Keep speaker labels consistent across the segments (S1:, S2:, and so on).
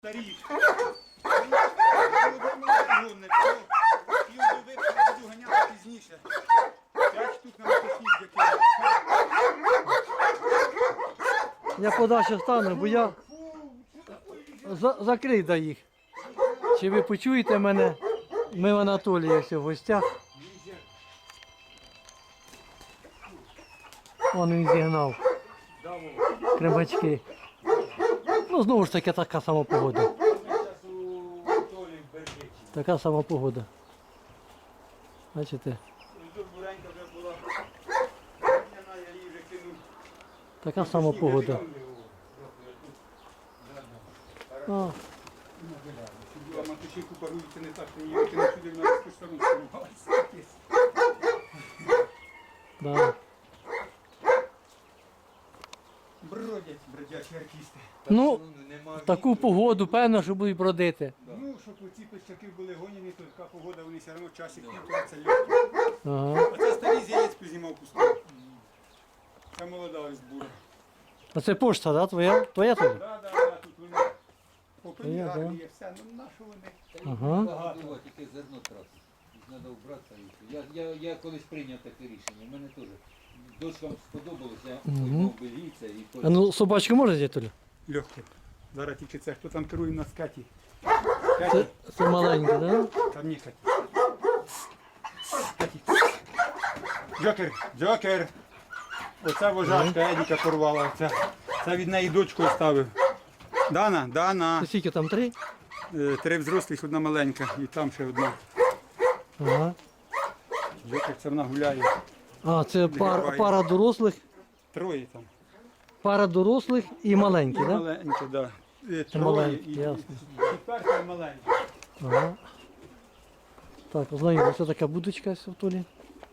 S1: Старі. Його буду ганяти пізніше. 5 штук на мотоцикл закинув.
S2: Я подальше стану, бо я закрий до їх. Чи ви почуєте мене? Ми в Анатолія все в гостях. Вон він зігнав кремачки. Ну знову ж таки така сама погода. Така сама погода. Бачите? Така сама погода. А,
S1: Була мотоцикл парується не так, що ніяк не сюди в нас по сторону спрямувалися.
S2: да.
S1: Бродячі артисти.
S2: Ну, в таку погоду, певно, що будуть бродити.
S1: Ну, щоб оці пищаки були гоняні, то така погода, вони все одно часик півтора це легко.
S2: Ага.
S1: А це старий з яєць познімав пустив. Це молода ось бура.
S2: А це пошта, да, твоя? Твоя теж?
S1: Да, тут вони попині
S2: Я,
S1: гарні є, все, ну на що вони?
S2: Ага.
S3: Багато, тільки зерно трас. Треба вбратися. Я колись прийняв таке рішення. У мене теж. Дочкам сподобалось, я поймав беліця і
S2: А ну собачку можна взяти, Толя?
S1: Легко. Зараз тільки це, хто там керує на скаті?
S2: Це маленьке, да?
S1: Там ні, Каті. Каті. Джокер. Оця вожачка Едіка порвала. Це від неї дочку оставив. Дана.
S2: Це скільки там, 3?
S1: 3 взрослих, одна маленька. І там ще одна.
S2: Ага.
S1: Джокер, це вона гуляє.
S2: А, це пара дорослих.
S1: 3 там.
S2: Пара дорослих і маленькі,
S1: І
S2: так? Да?
S1: маленькі, так. Да.
S2: маленькі, ясно.
S1: Четверта і маленька.
S2: Ага. Так, ознайомилися, це така будочка в Толі.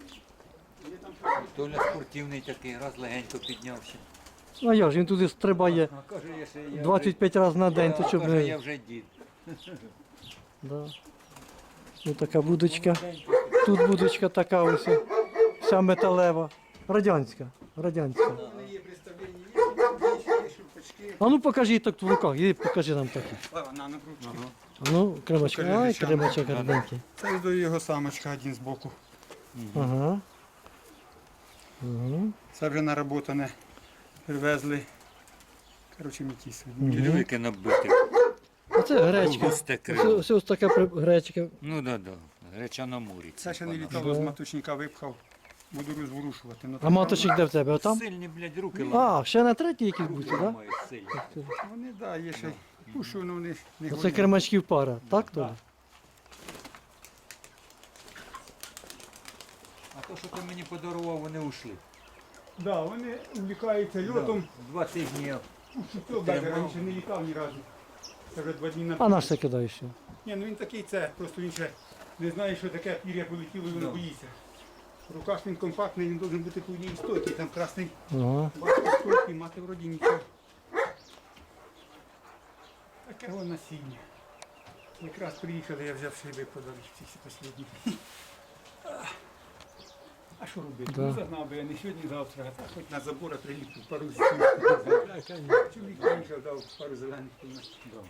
S3: Толя спортивний такий, раз легенько піднявся.
S2: А як ж, він туди стрибає
S3: А каже, я ще я
S2: 25 разів на день, то щоб
S3: каже, я
S2: не...
S3: вже дід.
S2: Да. Ось така будочка. Тут будочка така ось, вся металева. Радянська.
S1: Вони є представлені, є шурпачки.
S2: А ну покажи так в руках, іди покажи нам такі.
S1: На ручки.
S2: А ну, кремачка.
S1: Покажи
S2: Ай,
S1: речами.
S2: кремачок гарненький.
S1: Це ось до його самочка один з боку.
S2: Ага. Угу.
S1: Це вже наработане. Привезли. Коротше, мітіс.
S3: Дідовики набити.
S2: Оце гречка.
S3: Густе крило.
S2: Ось така гречка.
S3: Ну да. Греча на морі.
S1: Це ще не літало, з маточника випхав. Буду розворушувати. Ну,
S2: А маточник де в тебе? Отам?
S3: Сильні, блядь, руки
S2: А, ще на третій якийсь будь, так? Да?
S3: мають сильні.
S1: Вони, да, є ще. Пушу, ну вони не
S2: Оце
S1: гонять.
S2: кремачків пара, так Толя?
S3: А то, що ти мені подарував, вони ушли.
S1: Да, вони увлікаються льотом.
S3: 2 тижні.
S1: Що навіть раніше не літав ні разу. Це вже 2 дні на
S2: А наш це кидаєш ще?
S1: Ні, ну він такий це, просто він ще не знає, що таке пір'я полетіло і він
S3: Да.
S1: боїться. В руках він компактний, він має бути по одній стойкий, там красний
S2: Ага.
S1: батько стойкий, мати вроді нічого. Таке воно насіння. Якраз приїхали, я взяв шиби подарунки ці всі останні. А що робити?
S2: Да.
S1: Ну загнав би я не сьогодні, завтра, а так хоч на забора приліплю пару Чоловік приїхав, дав пару зелених дав.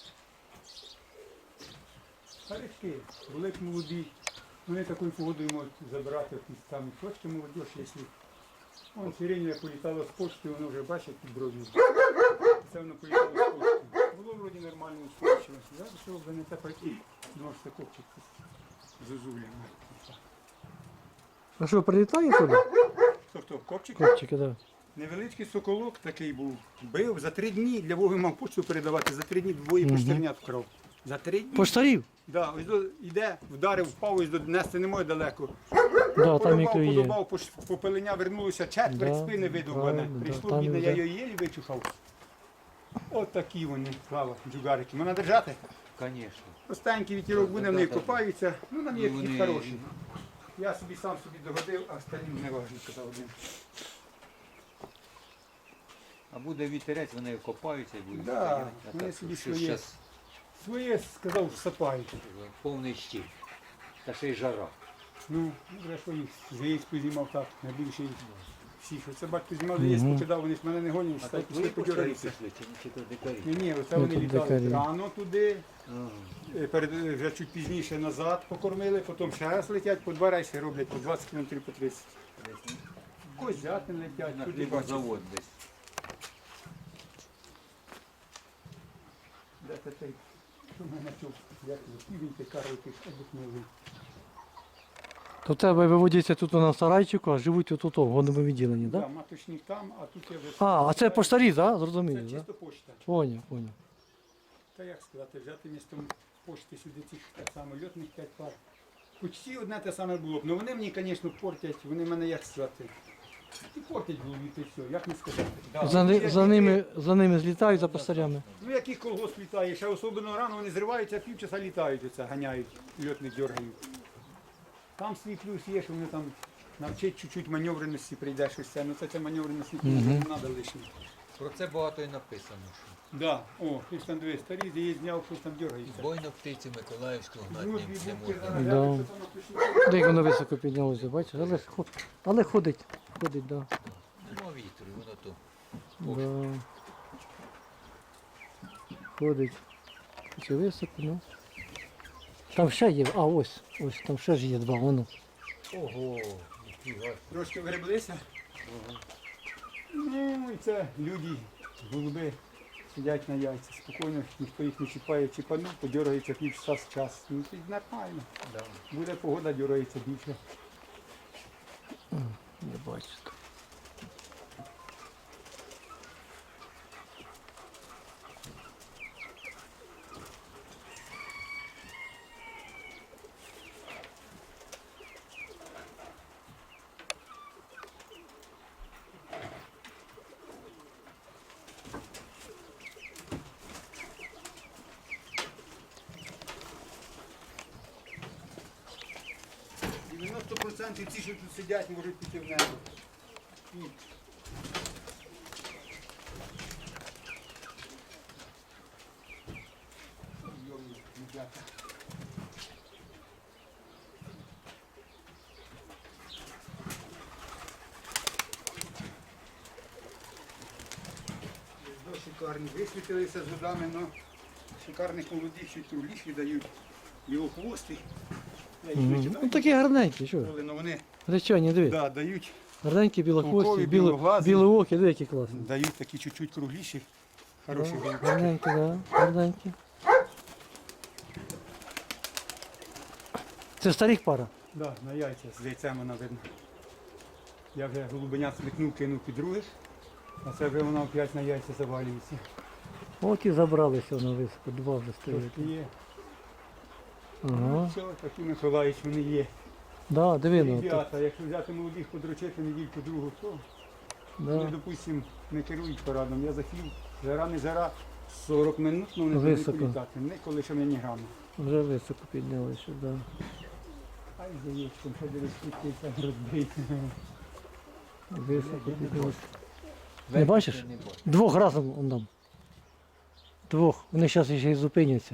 S1: Старички, були б молоді, вони такою погодою можуть забирати якісь там точки молодіж, якщо. Вон сиренія політала з почти, воно вже бачить під бров'ю. Це воно політало з почти. Було вроді нормально устойчивость. Зараз що вже не те пройти, ножся копчик з зозулями.
S2: А що, прилітає Толя?
S1: Хто? Копчик?
S2: Копчики, так.
S1: Невеличкий соколок такий був. Бив за 3 дні, для Воги мав почту передавати, за 3 дні двоє поштернят вкрав. За 3 дні?
S2: Поштарів?
S1: Да, ось йде, вдарив, впав, ось нести не може далеко.
S2: Да, там і клює.
S1: Подобав, попелення вернулося, четверть
S2: Да,
S1: спини видовбане.
S2: правильно, да,
S1: Прийшло
S2: там
S1: бідне,
S2: і
S1: я
S2: вже.
S1: його єлі вичухав. От такі вони, слава, джугарики. Можна держати?
S3: Звісно.
S1: Простенький вітерок буде, вони
S3: Да.
S1: копаються. Ну, нам є
S3: Ну,
S1: такі
S3: вони-
S1: хороші. Я собі сам собі догодив, а остальним не важливо, казав один.
S3: А буде вітерець, вони копаються і будуть
S1: Да,
S3: стояти. А
S1: вони
S3: так,
S1: собі
S3: що
S1: своє.
S3: щас
S1: Своє, сказав, сапають.
S3: повний щит. Та ще й жара.
S1: Ну, вже що їх з яєць познімав так, найбільше їх. всіх. Оце батько знімав, заїзд покидав, вони ж мене не гонять,
S3: А
S1: стають,
S3: тут
S1: пішли
S3: ви пошарі
S1: подьоргаються.
S3: пішли, чи то дикарі?
S1: Ні, оце
S2: Ну,
S1: вони
S2: тут
S1: літали
S2: дикарі.
S1: рано туди,
S3: Ага.
S1: вже чуть пізніше назад покормили, потім ще раз летять, по 2 рейси роблять, по 20 км, по 30.
S3: Десь
S1: Козятин летять,
S3: на
S1: туди бачиш.
S3: хлібозавод десь.
S1: Де це той, що в мене чув, як півень ти карлики обикнули.
S2: То в тебе виводяться тут на сарайчику, а живуть отут в годовому відділенні, так?
S1: Да,
S2: Да?
S1: маточник там, а тут я вже...
S2: А це поштарі, так?
S1: Це
S2: Зрозуміло, так?
S1: чисто почта.
S2: Поняв.
S1: Та як сказати, взяти містом пошти сюди цих так само льотних 5 пар. Почти одне те саме було б. Ну вони мені, звісно, портять, вони мене як сказати. І портять в голові, і все, як не сказати. Да,
S2: За ними злітають, за постарями.
S1: Ну який колгосп літає, ще особливо рано вони зриваються, півчаса літають, оце, ганяють, льотних дергають. Там свій плюс є, що вони там навчать чуть-чуть маневреності, прийде щось це, ну це маневреності не треба лишнє.
S3: Про це багато і написано. Що
S1: Да, о, хтось там дивись, старі, де є зняв, хтось там дергається.
S3: бойно птиці Миколаївську гнати
S1: Ну,
S3: не
S1: дві
S3: не
S1: бубки
S3: можна.
S1: зараз
S2: Да.
S1: глянуть, що там написано.
S2: Де як воно високо піднялося, бачиш? Але ходить, так. Да.
S3: Нема вітру, і воно то.
S2: Да. Ходить. Чи високо, ну. Там ще є, ось, там ще ж є два, воно.
S3: Ого, ніфіга.
S1: Трошки вгреблися. Ну і це люди, голуби, сидять на яйцях, спокійно, ніхто їх не чіпає, чіпанув, подергається півчаса з час. Ну це нормально.
S3: Да.
S1: Буде погода, дергається більше.
S2: Не бачу.
S1: 90% ті, що тут сидять, можуть піти в небо. І йомні, ребята. Шикарні. Висвітилися з водами, але шикарних молодих, що труліші дають його хвости. Я їх не
S2: Ну
S1: читаю,
S2: такі гарненькі, що?
S1: але вони
S2: Речані, диви.
S1: да, дають,
S2: Гарненькі, білохвості,
S1: Толкові, білоглазі.
S2: білоокі, диви, які класні.
S1: дають такі чуть-чуть кругліші, хороші голубки.
S2: Гарненькі, да, гарненькі. Це старих пара.
S1: Да, на яйця з яйцем вона видно. Я вже голубенят смикнув, кинув під других, а це вже вона опять на яйця завалюється.
S2: От і забралися на високо, два вже стоять.
S1: Трошки є.
S2: Ага.
S1: Все, такі Миколаївич вони є.
S2: Да, диви, ну.
S1: Ребята, якщо взяти молодих подручити недільку другу, то вони,
S2: Да.
S1: допустим, не керують парадом. Я захів, жара не жара, 40 минут, ну вони повинні
S2: Високо.
S1: політати. Ніколи ще мені грами.
S2: Вже високо піднялися, да.
S1: Ай, за яєчком, ще дивись, скільки там розбий.
S2: Високо піднялися. Не
S3: Верхи
S2: бачиш?
S3: я не бачу.
S2: Двох разом он там. Двох. Вони зараз ще й зупиняться.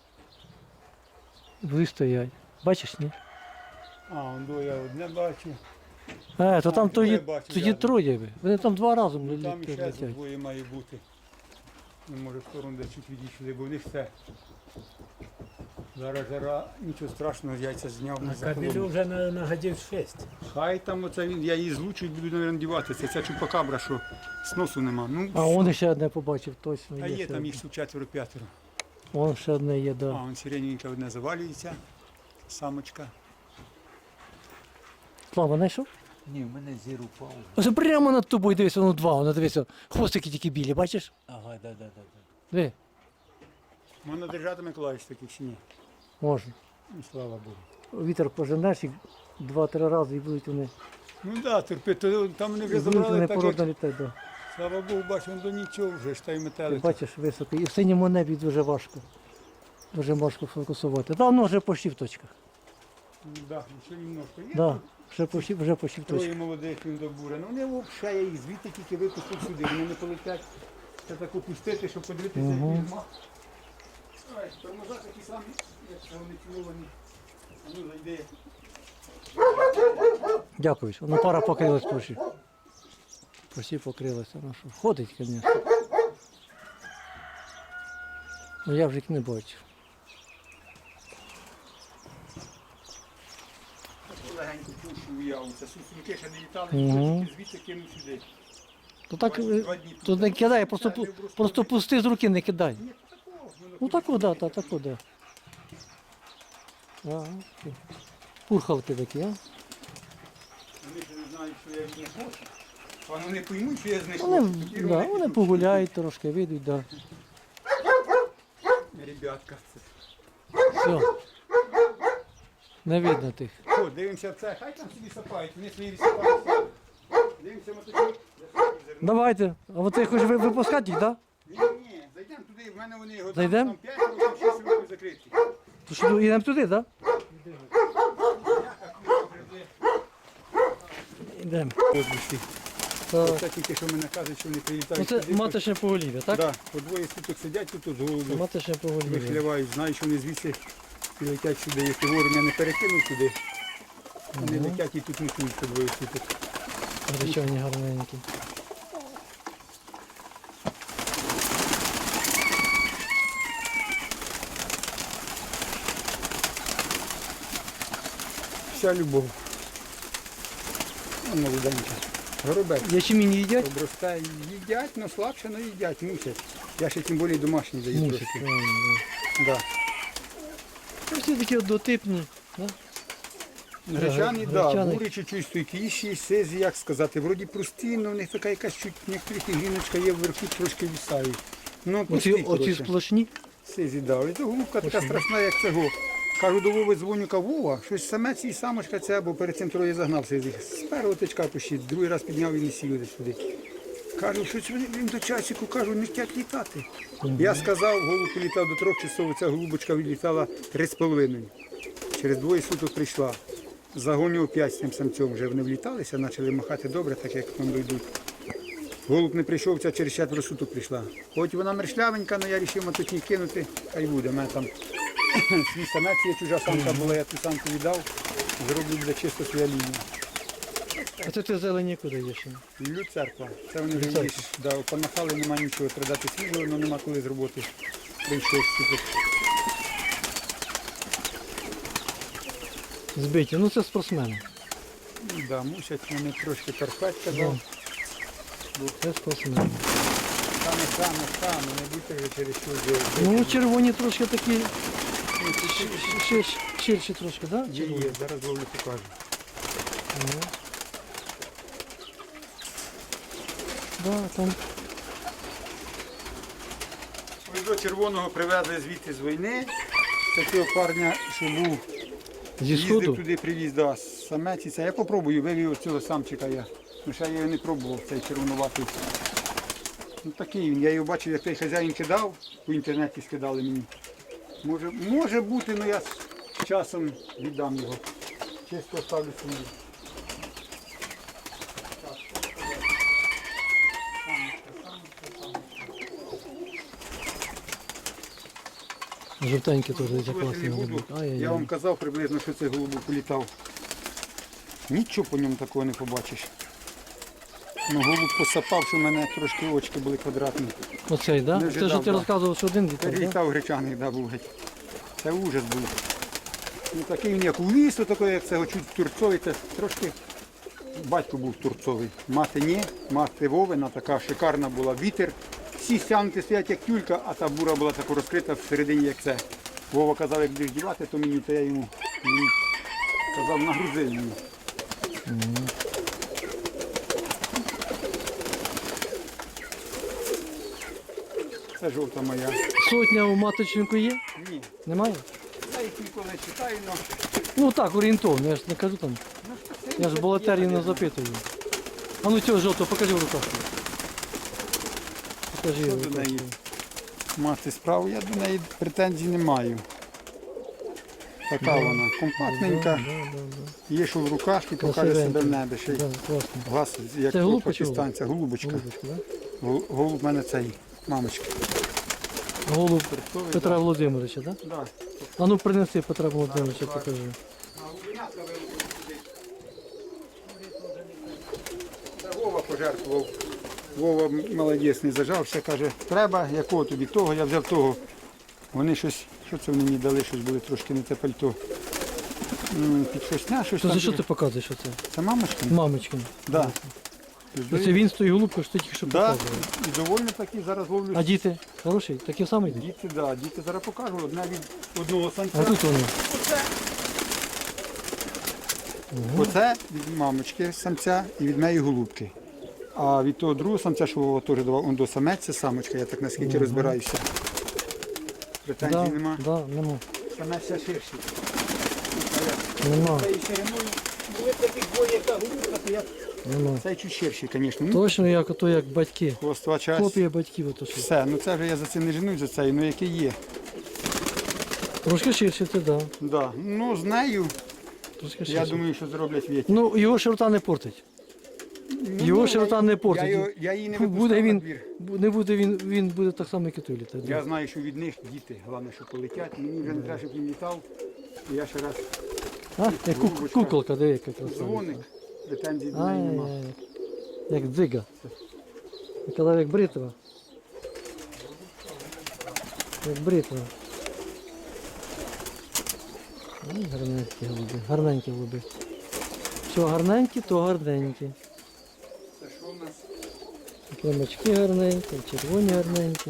S2: Будуть стоять. Бачиш, ні?
S1: А, он до я одне бачу.
S2: То там
S1: двоє
S2: тоді,
S1: бачу
S2: тоді
S1: рядом.
S2: троє. Вони там два разом
S1: Ну, там іще
S2: летять.
S1: двоє має бути. Ну, може в сторону де чуть відійшли, бо в них все. Зараз жара, нічого страшного, яйця зняв на
S4: Кабелю
S1: захолону.
S4: вже на годів 6.
S1: Хай там оце він, я її злучу і буду, мабуть, діватися. Це чупакабра, що сносу нема. Ну,
S2: А он ще одне побачив, точно.
S1: а є
S2: ще
S1: там
S2: одне.
S1: їх тут 4-5.
S2: Вон ще одне є,
S1: А,
S2: да.
S1: он сирененька одне завалюється, самочка.
S2: Слава, знайшов?
S3: Ні, в мене зір упав.
S2: Ось прямо над тобою дивися, воно два, воно дивися. Хвостики тільки білі, бачиш?
S3: Ага, да.
S2: Диви,
S1: Можна держати Миколаївич таких чи ні?
S2: можна.
S1: Ну, слава Богу.
S2: Вітер поженеш їх 2-3 рази і будуть вони.
S1: Ну так, да, терпи, то там вони
S2: І
S1: вже
S2: будуть
S1: забрали
S2: вони
S1: так,
S2: породно
S1: як,
S2: літати, да.
S1: слава Богу, бачу, він до нічого вже, ж та й
S2: Ти
S1: метелик.
S2: бачиш високо. І в синьому небі дуже важко. Дуже важко фокусувати. Та воно вже почти в точках.
S1: Ну, да, ще немножко є.
S2: Да, вже почти в точках.
S1: Троє молодих він добуре. Ну вони взагалі, я їх звідти тільки випустив сюди, вони не полетять. Це так опустити, щоб подивитися, як він мав. Ой, тормоза такі самі, як це вони ціловані. А ну зайди.
S2: Дякую. Воно пара покрилась почти. Почти покрилася. Ну що, ходить, звісно. Ну я вже їх не бачу.
S1: Легенько пушу уяву. Це сусунки ще не літали,
S2: Мгм.
S1: звідси кинув сюди.
S2: То так,
S1: 2 дні
S2: то не кидай, просто,
S1: Це не просто
S2: просто пусти з руки, не кидай.
S1: Ні, такого.
S2: Ну таку, да, таку, да. Ага. Пурхавки такі, а?
S1: Вони ж не знають, що я від них хочу. А вони поймуть, що я з них
S2: Вони,
S1: хочу. Тоді
S2: да, вони
S1: підуть.
S2: погуляють трошки, вийдуть, да.
S1: Ребятка, це.
S2: Все. Не видно тих.
S1: О, дивимося в це, хай там собі сапають, вони свої відсипаються. Дивимося мотоцикл.
S2: Давайте. А от ти хочеш випускати їх, так? Да?
S1: Ні, зайдемо туди, в мене вони його
S2: Зайдем?
S1: там 5 років, 6 років закриті.
S2: То що, йдемо туди, так? Да? Йдемо. Так.
S1: Оце тільки що мене кажуть, що вони прилітають.
S2: Оце
S1: сюди,
S2: маточне поголів'я, так?
S1: Да, по двоє суток сидять тут з
S2: Це
S1: голубів,
S2: маточне поголів'я.
S1: вихлявають, знають, що вони звідси і летять сюди. Якщо вовремя не перекинуть туди, вони летять і тут несуть по двоє суток.
S2: Гречані гарненькі.
S1: Вся любов. Ну, молоденька. Горобець.
S2: Ячмінь їдять?
S1: Обростає, їдять, але слабше, але їдять, мусять. Я ще тим більше домашній даю
S2: Мусять,
S1: трошки.
S2: правильно.
S1: Да.
S2: Да. Всі такі однотипні. Да?
S1: Гречані, да,
S2: гречані.
S1: бурі чуть-чуть стойкіші, сизі, як сказати, вроді прості, але в них така якась чуть, некоторих гріночка є вверху, трошки вісають. Ну, прості,
S2: Оці
S1: коротше.
S2: сплошні.
S1: Сизі, да. І то голубка така страшна, як цього. Кажу до Вови, дзвоню, кажу, Вова, щось самець і самочка ця, бо перед цим троє загнав сизі. З першого тичка пущить, другий раз підняв і не сів десь сюди. Кажу, щось він до часику, кажу, не хотять літати. Я сказав, голуб політав до 3 часов, ця голубочка відлітала 3,5. Через 2 суток прийшла. Загонював 5 з тим самцем, вже вони вліталися, почали махати добре, так як там дійдуть. Голуб не прийшов, ця через 4 суток прийшла. Хоч вона мершлявенька, але я вирішив матутні кинути, хай буде. У мене там свій самець є, чужа самка була, я ту самку віддав, зроблю буде чисто своя лінія.
S2: А це ти зелені куди їш?
S1: Іллю церква. Це вони вже їж, да, помахали, нема нічого, треба дати свіжого, але нема коли з роботи. Прийшов супер.
S2: Збиті. Ну це спортсмени.
S1: Да, мусять вони трошки терпеть, казав.
S2: Це спортсмени.
S1: Саме, не будьте вже через що
S2: Ну червоні трошки такі ширші трошки, так? Да?
S1: Є, зараз ловлю покажу.
S2: Ну. Да, там.
S1: Ось до червоного привезли звідти з війни. Такого парня, що був,
S2: Зі
S1: їздив
S2: сходу?
S1: туди, привіз, да, самець і це. Я попробую, вивів цього самчика я. Ну ще я його не пробував, цей червонуватий. Ну такий він, я його бачив, як той хазяїн кидав, по інтернеті скидали мені. Може бути, але я з часом віддам його. Чисто ставлю собі.
S2: Жовтенькі теж
S1: Ось
S2: класні
S1: не буду.
S2: голуби.
S1: Я вам
S2: Ай-яй-яй.
S1: казав приблизно, що цей голубок політав. Нічого по ньому такого не побачиш. Ну, голуб посапав, що в мене трошки очки були квадратні.
S2: Оцей, так?
S1: Не
S2: Да? Це
S1: ожидав,
S2: ж ти
S1: да.
S2: розказував, що один літав, так? Да?
S1: Перелітав гречаний, да, був геть. Це ужас був. Ну, такий він як у лісу, такий, як цього чуть турцовий, це трошки батько був турцовий. Мати ні, мати Вовина така шикарна була. Вітер. Всі стягнуті стоять як тюлька, а та бура була така розкрита всередині, як це. Вова казав, як будеш дівати, то мені, то я йому казав, нагрузи мені. Це жовта моя.
S2: Сотня у маточнику є?
S1: Ні,
S2: Немає?
S1: я їх ніколи не читаю, але
S2: Ну так, орієнтовно, я ж не кажу там. Я ж болотерію не запитую. А ну цього жовтого, покажи в руках. Покажи
S1: Що
S2: в
S1: до
S2: руках.
S1: неї мати справу, я до неї претензій не маю. Така вона, компактненька, є що в руках і покаже себе в небі. Ще й
S2: Да, класно.
S1: глаз, як
S2: Це голубка чи
S1: пакистанця, голубочка.
S2: Голубочка, да?
S1: Голуб в мене цей, мамочка.
S2: Голуб
S1: Хрестовий,
S2: Петра
S1: да.
S2: Володимировича, так? Да?
S1: Да.
S2: А ну принеси Петра Володимировича, покажи.
S1: А голубенятка вилупили сюди. Це Вова пожертвував. Вова молодець, не зажався, каже, треба, якого тобі того, я взяв того. Вони щось, що це вони мені дали, щось були трошки не те пальто. Під шосня, щось
S2: То
S1: там.
S2: за що ти показуєш оце?
S1: Це мамочка?
S2: Мамочкин.
S1: Да.
S2: Це він з тою голубкою, що ти тільки що
S1: Да,
S2: показував.
S1: і доволі такі зараз ловлю.
S2: А діти? Хороші? Такі самі йдуть?
S1: Діти, да, діти зараз покажу. Одна від одного самця.
S2: А тут вони.
S1: Оце від мамочки самця і від неї голубки. А від того другого самця, що Вова теж давав, он до самець, це самочка, я так наскільки розбираюся. Претензій
S2: Да,
S1: нема.
S2: да, нема.
S1: Самець ще ширший.
S2: Нема.
S1: Та і шириною. Були таких двоє, яка голубка, то я
S2: Нема.
S1: цей чуть ширший, звісно. Ну,
S2: Точно як ото як батьки.
S1: хвостова часть.
S2: Копія батьків ото що.
S1: Все, ну це вже я за це не женусь, за це, ну який є.
S2: Трошки ширше, це да.
S1: Да. Ну з нею,
S2: Трошки
S1: я
S2: ширше.
S1: думаю, що зроблять віті.
S2: Ну, його широта не портить. Його широта не портить.
S1: Я її не
S2: Буде
S1: випускав на
S2: він,
S1: двір.
S2: не буде він буде так само, як і той літати.
S1: Я знаю, що від них діти, головне, що полетять. Мені вже не треба, щоб він літав. І я ще раз
S2: А, як куколка, диви, яка краса.
S1: дзвоник, претензій до неї нема.
S2: Ай-яй-яй. Як дзига. Я казав, як бритва. Як бритва. Ай, гарненькі голуби, гарненькі голуби. Що гарненькі, то гарненькі.
S1: Це що в нас?
S2: Кремачки гарненькі, червоні гарненькі.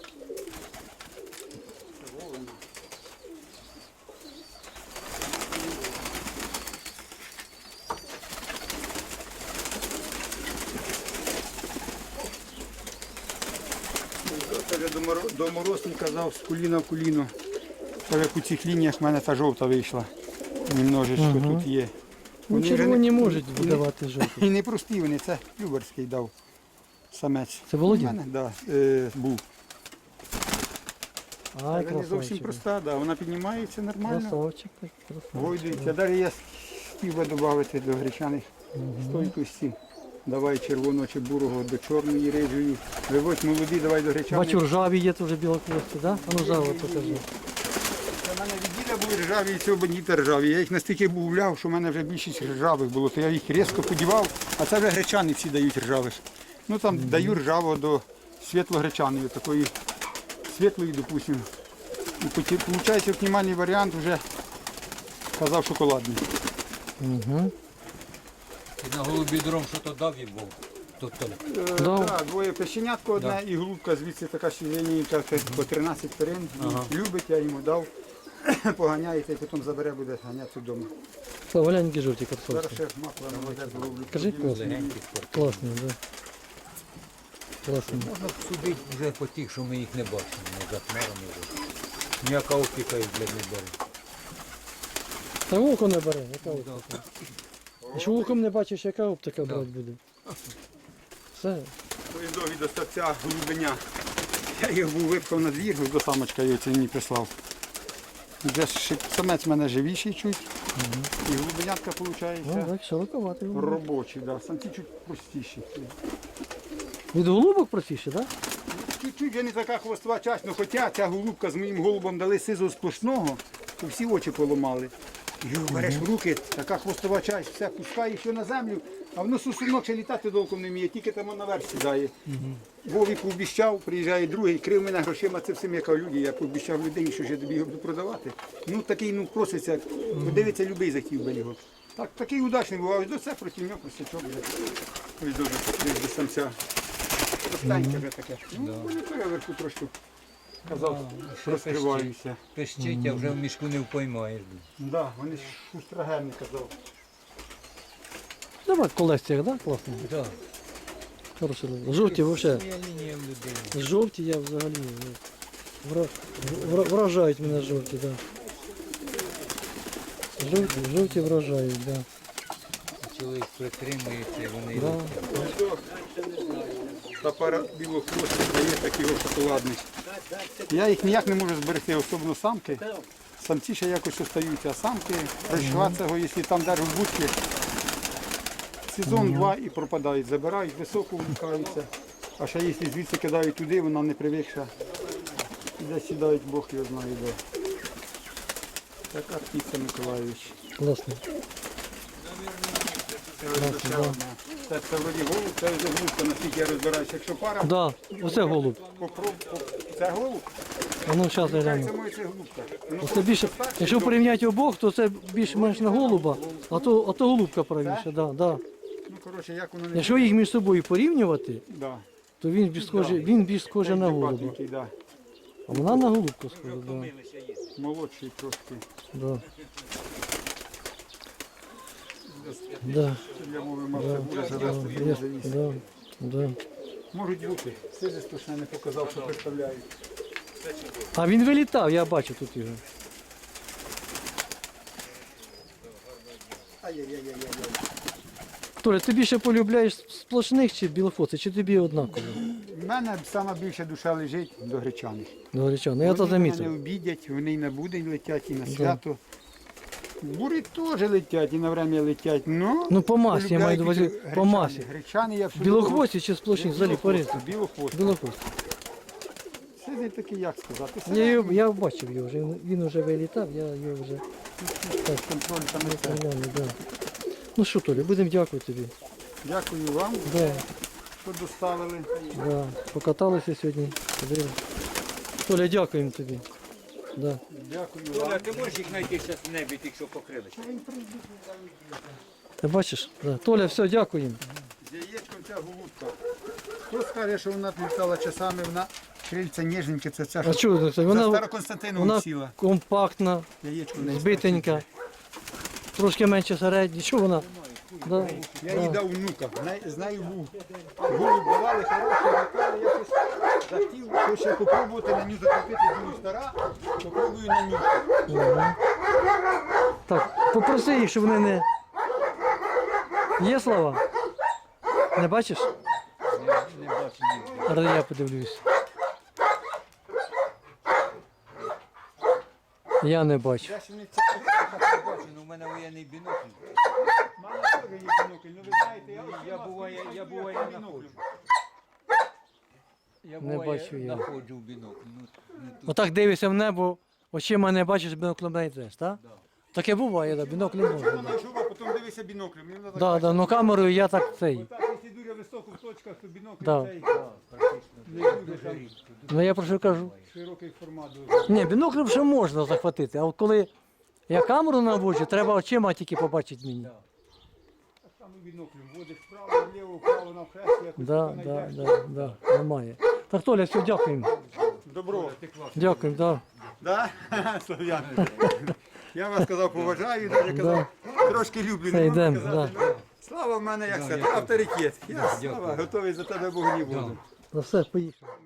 S1: Це вже доморослий казав з коліна в коліно. Це як у цих лініях в мене та жовта вийшла. Немножечко тут є.
S2: Ну,
S1: Вони вже
S2: червоні
S1: не-
S2: можуть видавати жовті.
S1: І не прості вони, це Люберський дав самець.
S2: Це Володін?
S1: У мене, да, був.
S2: Ай,
S1: Вона не зовсім
S2: красавчик.
S1: проста, да, вона піднімається нормально.
S2: Красавчик, так, красавчик.
S1: Гойдується. Далі я хотів би додати до гречаних стойкості. Давай червоного чи бурого до чорної рижої. Виводь молоді, давай до гречаних.
S2: Бачу, ржаві є теж білокості, да? А ну жаво покажи.
S1: У мене від діда були ржаві і цього бандіта ржаві. Я їх настільки бувляв, що в мене вже більшість ржавих було, то я їх різко подівав, а це вже гречани всі дають ржавих. Ну там даю ржавого до світло-гречаної, такої світлої, допустимо. І виходить оптимальний варіант вже казав шоколадний.
S2: Угу.
S3: Ти на голубі дром що то дав їм був. Тобто,
S2: Дав.
S1: Так, двоє пещенятко одне і голубка звідси така сіленійка по 13 перин. Любить, я йому дав, поганяється і потім забере, буде ганятися вдома.
S2: Славоленькі жовті
S1: Зараз
S2: картошки.
S1: ще масло наводять зроблю.
S2: Кажи, класно.
S3: легенький спорт.
S2: Класно, да. Класно.
S3: Можна судити вже по тих, що ми їх не бачимо, не за хмарами вже. Ніяка опіка їх, блядь, не бере.
S2: Та око не бере, яка оптика? Якщо оком не бачиш, яка оптика брати буде? Все.
S1: Поїздові до ставця голубеня. Я його був випхав на двір, до самочка його це мені прислав. Вже самець в мене живіший чуть. І голубенятка
S2: Ну,
S1: виходить
S2: так, широковатий.
S1: робочий. Да. Самці чуть простіші.
S2: Від голубок простіше, так?
S1: Чуть-чуть вже не така хвостова часть, але хоча ця голубка з моїм голубом дали сизу сплошного, то всі очі поламали. Його береш в руки, така хвостова часть, все пускаєш його на землю, а воно сусунок ще літати толком не вміє, тільки там наверх сідає. Вові пообіщав, приїжджає другий, крив мене грошима, це всім яка люди, я пообіщав людині, що ж я тобі його буду продавати. Ну такий, ну проситься, подивиться, любий захотів би його. Так, такий удачний був, а ось до це проти нього простячок вже. Ось дуже, до самця. Останнє вже таке. Ну, то я вверху трошки казав, розкриваюся.
S3: Пищить, а вже в мішку не впоймаєш.
S1: Да, вони ж шустрогенні казав.
S2: Давай в колекціях, так? Класно.
S3: Так.
S2: Хороші. Жовті взагалі.
S3: Своя лінія в людини.
S2: Жовті я взагалі. Вражають мене жовті, так. Жовті вражають, так.
S3: Чоловік притримується, і вони
S2: Да.
S1: Та пара білохвостих дає такий шоколадний. Я їх ніяк не можу зберегти, особливо самки. Самці ще якось остаються, а самки розчуватися його, якщо там держать в будці, сезон два і пропадають, забирають, високо вмикаються. А ще якщо звідси кидають туди, вона не привикша. Де сідають, Бог його знає де. Така птиця Миколаївич.
S2: Класно.
S1: Це ось ще одна. Це вроді голуб, це вже голубка, наскільки я розбираюся. Якщо пара,
S2: Да, оце голуб.
S1: це голуб,
S2: А ну зараз я
S1: це
S2: гляну.
S1: моє це голубка. Ну,
S2: Оце більше, якщо порівняти обох, то це більш-менш на голуба, а то голубка правіше. Да, да.
S1: ну, коротше, як воно не...
S2: Якщо їх між собою порівнювати,
S1: Да.
S2: то він більш схожий на голуба.
S1: Дебатненький, да.
S2: А вона на голубку схожа, да.
S1: Молодший трошки.
S2: Да. Да,
S1: Я мовив, мав
S2: да,
S1: це буде
S2: да,
S1: завести,
S2: є,
S1: він завіз.
S2: да, да.
S1: Можуть бути. Сиди точно не показав, що представляють.
S2: А він вилітав, я бачу тут його.
S1: Ай-яй-яй-яй-яй.
S2: Толя, ти більше полюбляєш сплошних чи білофоци, чи тобі однаково?
S1: У мене сама більша душа лежить до гречаних.
S2: Говорячано, я то
S1: Вони мене
S2: замітив.
S1: обідять, вони і на будень летять, і на свято. Бури теж летять і на время летять, но
S2: Ну по масі, я маю на увазі, по масі.
S1: Гречани я всюди.
S2: Білохвості чи сплошні, взагалі порізні.
S1: Білохвості.
S2: Білохвості.
S1: Це не такий, як сказати.
S2: Я бачив його вже, він вже вилітав, я його вже
S1: Контроль там летить.
S2: глянув, да. Ну що, Толя, будемо дякувати тобі.
S1: Дякую вам,
S2: Да,
S1: що доставили.
S2: да. Покаталися сьогодні. Подивимось. Толя, дякуємо тобі. Да.
S1: Дякую
S3: Толя,
S1: вам.
S3: ти можеш їх знайти зараз в небі, якщо покрилися?
S2: Ти бачиш? Да. Толя, все, дякуємо.
S1: З яєчком ця голубка. Хто скаже, що вона літала часами, вона крильця ніжненьке, це ця,
S2: А
S1: що
S2: чого це?
S1: за
S2: Вона
S1: Староконстантиновим сіла.
S2: компактна,
S1: Яєчко не
S2: збитенька, трошки менше середньої. Що вона? Да.
S1: Я їй дав внука, з нею був. Голуб давали хороший, літали, я щось захотів, хочу попробувати на ню закріпити, думаю, стара, попробую на ню.
S2: Так, попроси їх, щоб вони не. Є слова? Не бачиш?
S3: Не бачу ніде.
S2: Зараз я подивлюсь. Я не бачу.
S1: Я ще не це
S3: Не бачу, ну в мене воєнний бінокль.
S1: мала теж є бінокль, ну ви знаєте,
S3: Я буває знаходжу. Я
S2: Не
S3: буває
S2: бачу я.
S3: знаходжу в бінокль. Ну, тут.
S2: Отак дивишся в небо, очима не бачиш, біноклем не йдеш, так? Таке буває, да, бінокль не можна.
S1: вона йшов, а потім дивися біноклем. Мені вона так
S2: Да, да, ну камерою я так цей.
S1: Отак, якщо дуже високо в точках, то бінокль
S2: Да.
S1: цей
S3: Практично
S1: не дуже там
S2: Ну я про що кажу.
S1: широкий формат. дуже.
S2: Ні, біноклем ще можна захватити, а от коли я камеру наводжу, треба очима тільки побачити мені.
S1: Так само біноклем водиш вправо, вліво, вправо, навхрест, якось
S2: Да,
S1: тако
S2: да,
S1: знайдеш.
S2: да, да, немає. Так, Толя, все, дякуємо.
S1: Добро.
S2: Дякуємо, да.
S1: Да? Слов'ян. Я вас сказав, поважаю, навіть казав, трошки люблю.
S2: Це
S1: не можу
S2: йдемо,
S1: сказати,
S2: да.
S1: ну, Слава в мене, як сказати, авторитет. Я слава, готовий за тебе Богу не буду.
S2: Ну все, поїхали.